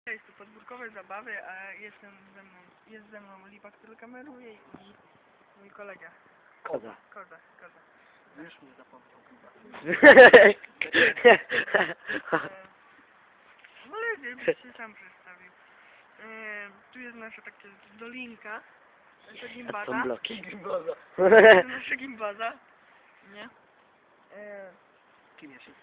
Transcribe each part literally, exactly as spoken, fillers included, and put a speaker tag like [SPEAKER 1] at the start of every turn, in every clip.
[SPEAKER 1] Jest tu podwórkowe zabawy, a jestem ze mną, jest ze mną Lipa, który kameruje i mój kolega.
[SPEAKER 2] Koza.
[SPEAKER 1] Koza, koza.
[SPEAKER 2] Już mnie zapomniał chyba.
[SPEAKER 1] Ale żebyś się sam przedstawił. E, tu jest nasza taka dolinka, nasza
[SPEAKER 2] A
[SPEAKER 1] gimbaza.
[SPEAKER 2] są bloki.
[SPEAKER 1] To jest nasza gimbaza. Nie? E,
[SPEAKER 2] Kim ja się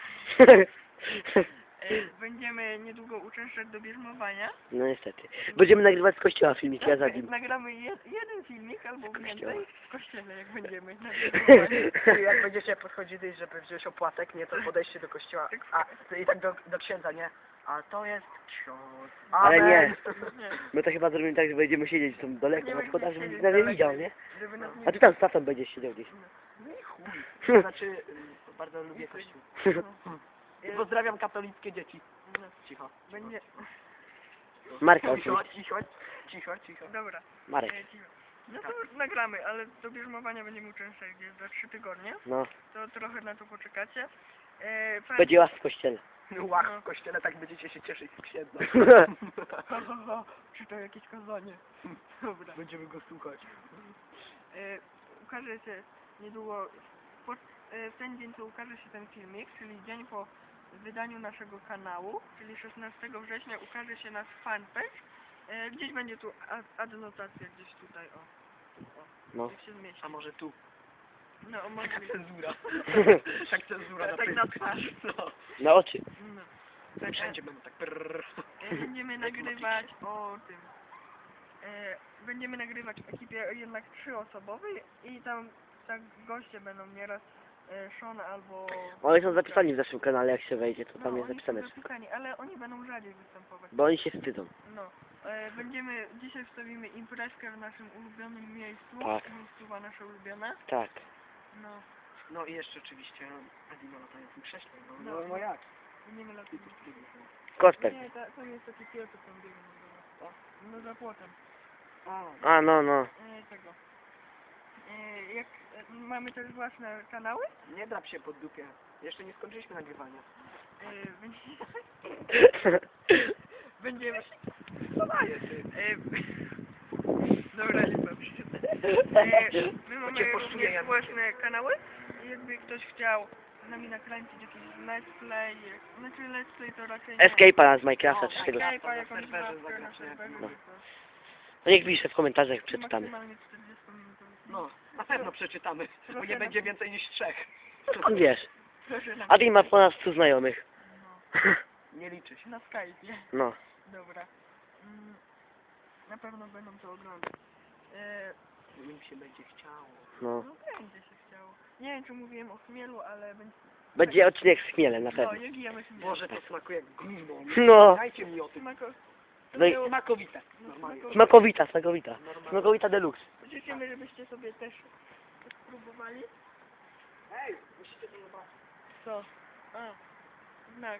[SPEAKER 1] e, będziemy niedługo uczęszczać do bierzmowania.
[SPEAKER 2] No niestety. Będziemy nagrywać z kościoła filmik, ja za nim.
[SPEAKER 1] Nagramy jed, jeden filmik albo
[SPEAKER 2] kościoła.
[SPEAKER 1] więcej w kościele, jak będziemy na bierzmowaniu.
[SPEAKER 3] I jak będziecie podchodzili, żeby wziąć opłatek, nie, to podejście do kościoła. A, i tak do, do księdza, nie? A to jest ksiądz.
[SPEAKER 2] Ale nie.
[SPEAKER 1] Nie.
[SPEAKER 2] My to chyba zrobimy tak, że będziemy siedzieć tam daleko
[SPEAKER 1] Nie
[SPEAKER 2] na schodach, żeby
[SPEAKER 1] będziemy
[SPEAKER 2] nikt nas nie
[SPEAKER 1] siedzieć
[SPEAKER 2] widział,
[SPEAKER 1] daleko,
[SPEAKER 2] nie?
[SPEAKER 1] Żeby nas nie
[SPEAKER 2] A ty tam z tatą będziesz siedział gdzieś.
[SPEAKER 3] No i chuj. Znaczy, y, bardzo lubię kościół. I pozdrawiam katolickie dzieci.
[SPEAKER 1] No.
[SPEAKER 3] Cicho.
[SPEAKER 1] Będzie...
[SPEAKER 2] Marka
[SPEAKER 3] Cicho,
[SPEAKER 2] oczywiście.
[SPEAKER 3] cicho, cicho, cicho.
[SPEAKER 1] Dobra.
[SPEAKER 2] Marek.
[SPEAKER 1] E, cicho. No to nagramy, ale do bierzmowania będziemy uczęszczać gdzieś za trzy tygodnie.
[SPEAKER 2] No.
[SPEAKER 1] To trochę na to poczekacie. E, pan...
[SPEAKER 2] Będzie łas w kościele.
[SPEAKER 3] Łach w kościele, tak będziecie się cieszyć z księdza.
[SPEAKER 1] Ha, ha, ha. Czy to jakieś kazanie? Dobra.
[SPEAKER 3] Będziemy go słuchać.
[SPEAKER 1] E, ukaże się niedługo, po, e, w ten dzień co ukaże się ten filmik, czyli dzień po wydaniu naszego kanału, czyli szesnastego września ukaże się nasz fanpage. E, gdzieś będzie tu ad, adnotacja, gdzieś tutaj, o. o
[SPEAKER 2] No.
[SPEAKER 1] jak się zmieści.
[SPEAKER 3] A może tu?
[SPEAKER 1] No, może
[SPEAKER 3] Taka
[SPEAKER 1] być.
[SPEAKER 3] cenzura. Tak cenzura na
[SPEAKER 1] Tak na
[SPEAKER 3] Facebooku.
[SPEAKER 1] twarz.
[SPEAKER 3] No.
[SPEAKER 2] Na oczy.
[SPEAKER 1] No.
[SPEAKER 3] Tak wszędzie będą tak prrrr.
[SPEAKER 1] E, będziemy nagrywać o tym. E, będziemy nagrywać w ekipie jednak trzyosobowej i tam tak goście będą nieraz e, Sean albo...
[SPEAKER 2] Oni są zapisani w naszym kanale, jak się wejdzie, to
[SPEAKER 1] No,
[SPEAKER 2] tam jest
[SPEAKER 1] oni
[SPEAKER 2] zapisane
[SPEAKER 1] są
[SPEAKER 2] wszystko.
[SPEAKER 1] zapisani, ale oni będą rzadziej występować.
[SPEAKER 2] Bo oni się wstydzą.
[SPEAKER 1] No. E, będziemy, dzisiaj wstawimy imprezkę w naszym ulubionym miejscu.
[SPEAKER 2] Tak.
[SPEAKER 1] Miejscowa nasze ulubione.
[SPEAKER 2] Tak.
[SPEAKER 1] No.
[SPEAKER 3] No i jeszcze oczywiście Adino latającym krześle. No,
[SPEAKER 1] No.
[SPEAKER 3] no, no jak?
[SPEAKER 1] Będziemy latać.
[SPEAKER 2] Kostek.
[SPEAKER 1] Nie, ta, tam jest taki piesek tam biegnie. No, no za płotem.
[SPEAKER 3] A,
[SPEAKER 2] A, no, no.
[SPEAKER 1] E, tego. E, jak e, mamy też własne kanały.
[SPEAKER 3] nie drap się pod dupie. Jeszcze nie skończyliśmy nagrywania.
[SPEAKER 1] E, będzie, będziemy...
[SPEAKER 3] Co daje ty?
[SPEAKER 1] E, dobra, nie bawię się. E, my mamy
[SPEAKER 3] cię poszczuję,
[SPEAKER 1] również
[SPEAKER 3] ja
[SPEAKER 1] własne kanały i jakby ktoś chciał z nami nakręcić jakiś let's play, znaczy let's play to raczej nie.
[SPEAKER 2] Escape'a z Minecrafta czy
[SPEAKER 3] O,
[SPEAKER 2] tego.
[SPEAKER 1] Escape'a,
[SPEAKER 3] na
[SPEAKER 1] jakąś
[SPEAKER 3] serwerze
[SPEAKER 1] zabawkę na
[SPEAKER 3] zagrać, nie?
[SPEAKER 1] serwerze.
[SPEAKER 2] No.
[SPEAKER 1] to
[SPEAKER 2] No niech pisze w komentarzach, przeczytamy.
[SPEAKER 1] Maksymalnie czterdziestominutowy film.
[SPEAKER 3] No, na pewno przeczytamy, bo
[SPEAKER 1] Proszę
[SPEAKER 3] nie
[SPEAKER 1] na-
[SPEAKER 3] będzie więcej niż trzech.
[SPEAKER 2] Skąd wiesz?
[SPEAKER 1] Proszę na,
[SPEAKER 2] A ty ma ponad stu znajomych.
[SPEAKER 1] no,
[SPEAKER 3] Nie liczy się.
[SPEAKER 1] na Skype'ie.
[SPEAKER 2] No.
[SPEAKER 1] Dobra. Mm, na pewno będą to oglądać. E,
[SPEAKER 3] Im się będzie chciało.
[SPEAKER 2] No.
[SPEAKER 1] no będzie się chciało. Nie wiem czy mówiłem o chmielu, ale będzie...
[SPEAKER 2] Będzie odcinek z chmielem, na
[SPEAKER 1] No,
[SPEAKER 2] pewno.
[SPEAKER 1] jak jemy chmiel.
[SPEAKER 3] Boże, to smakuje jak gówno.
[SPEAKER 2] No.
[SPEAKER 3] Dajcie mi o tym.
[SPEAKER 1] Smako...
[SPEAKER 2] No i-
[SPEAKER 1] było-
[SPEAKER 3] Smakowite.
[SPEAKER 1] no,
[SPEAKER 3] Normalnie.
[SPEAKER 1] smako-
[SPEAKER 2] Smakowita, smakowita.
[SPEAKER 3] Normalnie.
[SPEAKER 2] Smakowita deluxe.
[SPEAKER 1] Życzymy, żebyście sobie też też spróbowali.
[SPEAKER 3] Ej, musicie to zobaczyć.
[SPEAKER 1] Co? A, znak.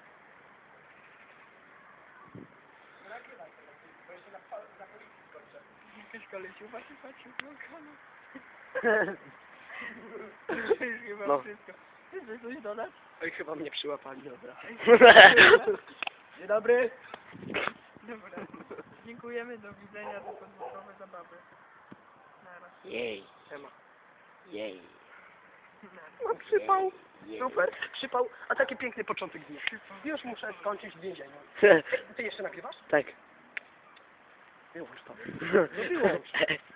[SPEAKER 3] Nagrywaj to lepiej, bo jeszcze na, na policji skończę.
[SPEAKER 1] Jakaś kolesiuwa się patrzy w okno. To już chyba
[SPEAKER 2] No.
[SPEAKER 1] wszystko. Ty chcesz coś dodać?
[SPEAKER 3] Oj, chyba mnie przyłapali, dobra.
[SPEAKER 1] Ej,
[SPEAKER 3] Dzień dobry.
[SPEAKER 1] Dobra. Dziękujemy, do widzenia, do podwórkowe zabawy. Nara.
[SPEAKER 2] Jej,
[SPEAKER 3] Ema.
[SPEAKER 2] jej.
[SPEAKER 1] Nara.
[SPEAKER 3] No przypał.
[SPEAKER 2] Jej.
[SPEAKER 3] Super, przypał. A taki piękny początek dnia. Już muszę skończyć w więzieniu. Ty jeszcze nagrywasz?
[SPEAKER 2] Tak.
[SPEAKER 3] Wyłącz to.
[SPEAKER 2] Wyłącz.